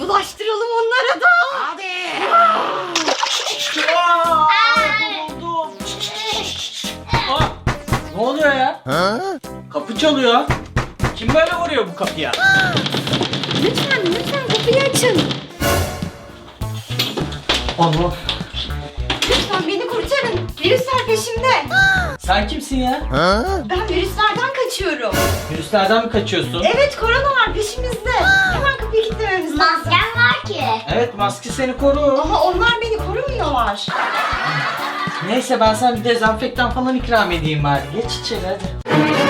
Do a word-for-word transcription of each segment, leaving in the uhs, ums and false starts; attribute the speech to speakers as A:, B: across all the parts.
A: bulaştıralım onlara da.
B: Hadi.
C: Buldum. Aa, ne oluyor ya? Kapı çalıyor. Kim böyle vuruyor bu kapıya?
A: Lütfen lütfen kapıyı açın.
C: Allah.
A: Lütfen beni kurtarın. Virüsler peşimde.
C: Sen kimsin ya?
A: Ben virüslerden kaçıyorum.
C: Virüslerden mi kaçıyorsun?
A: Evet, korona var peşimizde. Hemen kapıyı kilitlememiz lazım.
B: Masken var ki.
C: Evet, maske seni koru.
A: Ama onlar beni korumuyorlar.
C: Neyse, ben sana bir dezenfektan falan ikram edeyim bari. Geç içeri hadi.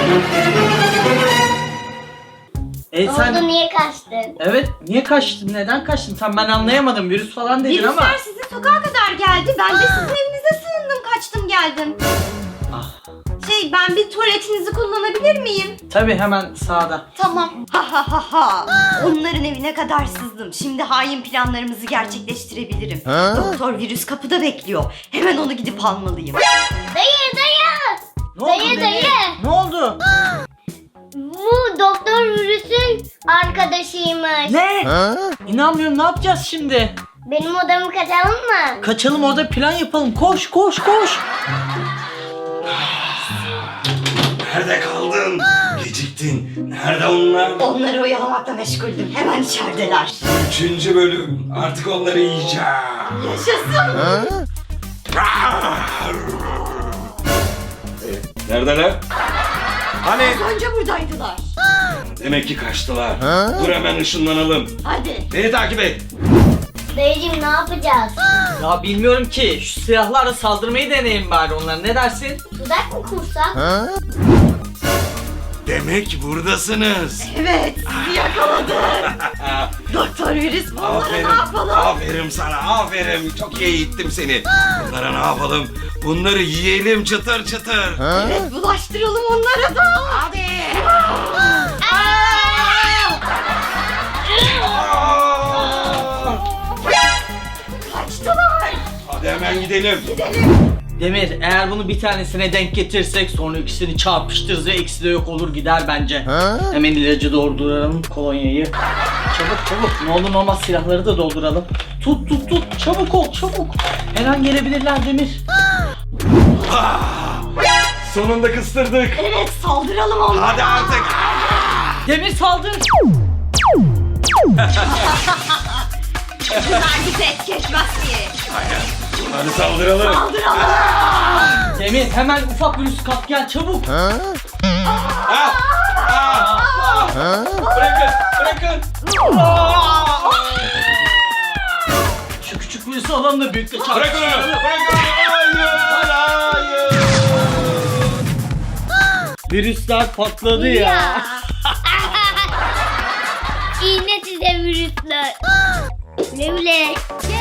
C: E
B: Ne
C: sen...
B: oldu, niye kaçtın?
C: Evet, niye kaçtın? Neden kaçtın? Tam ben anlayamadım. Virüs falan dedin ama.
A: Virüsler sizin sokağa kadar geldi. Ben de sizin evinize sığındım, kaçtım geldim.
C: Ah.
A: Şey, ben bir tuvaletinizi kullanabilir miyim?
C: Tabii, hemen sağda.
A: Tamam. Ha ha ha ha. Onların evine kadar sızdım. Şimdi hain planlarımızı gerçekleştirebilirim. Doktor virüs kapıda bekliyor. Hemen onu gidip almalıyım.
B: Dayı dayı.
C: Ne
B: Dayı,
C: oldu
B: dayı.
C: Demir? Ne oldu?
B: Bu doktor virüsün arkadaşıymış.
C: Ne? İnanmıyorum, ne yapacağız şimdi?
B: Benim odamı kaçalım mı?
C: Kaçalım, orada plan yapalım. Koş koş koş.
D: Nerede kaldın? Geciktin. Nerede onlar?
A: Onları oyalamakla meşguldüm. Hemen içerideler.
D: Üçüncü bölüm. Artık onları yiyeceğim.
A: Yaşasın.
D: Neredeler? Hani?
A: Az önce buradaydılar.
D: Demek ki kaçtılar. Dur hemen ışınlanalım.
A: Hadi.
D: Beni takip et.
B: Dayıcım ne yapacağız?
C: Ya bilmiyorum ki. Şu silahlarla saldırmayı deneyelim bari onlara. Ne dersin?
B: Tuzak mı kursak?
D: Demek buradasınız.
A: Evet, sizi yakaladım. Doktor virüs, bunlara
D: Aferin.
A: ne yapalım?
D: Aferin sana. Aferin. Çok iyi eğittim seni. Bunlara ne yapalım? Bunları yiyelim çıtır çıtır.
A: Evet, bulaştıralım onlara da.
B: Hadi.
A: Kaçtılar.
D: Hadi hemen gidelim.
C: Demir, eğer bunu bir tanesine denk getirsek sonra ikisini çarpıştırırız ve ikisi de yok olur gider bence. Hemen ilacı dolduralım, kolonyayı. Çabuk çabuk, ne olur ne olmaz silahları da dolduralım. Tut tut tut, çabuk ol çabuk. Her an gelebilirler Demir.
D: Sonunda kıstırdık.
A: Evet, saldıralım onlara.
D: Hadi artık.
C: Demir saldır.
A: Bunlar bizi et geçmez ki.
D: Hadi saldıralım.
A: Saldıralım.
C: Demir, hemen ufak virüs kap gel çabuk.
D: Ah! Ah! Ah! Bırakın, bırakın.
C: Şu küçük virüsü alalım da büyükle çarpıştıralım.
D: Bırakın onu, bırakın onu. Hayır, hayır.
C: Virüsler patladı ya.
B: İğne size virüsler. Ne bile.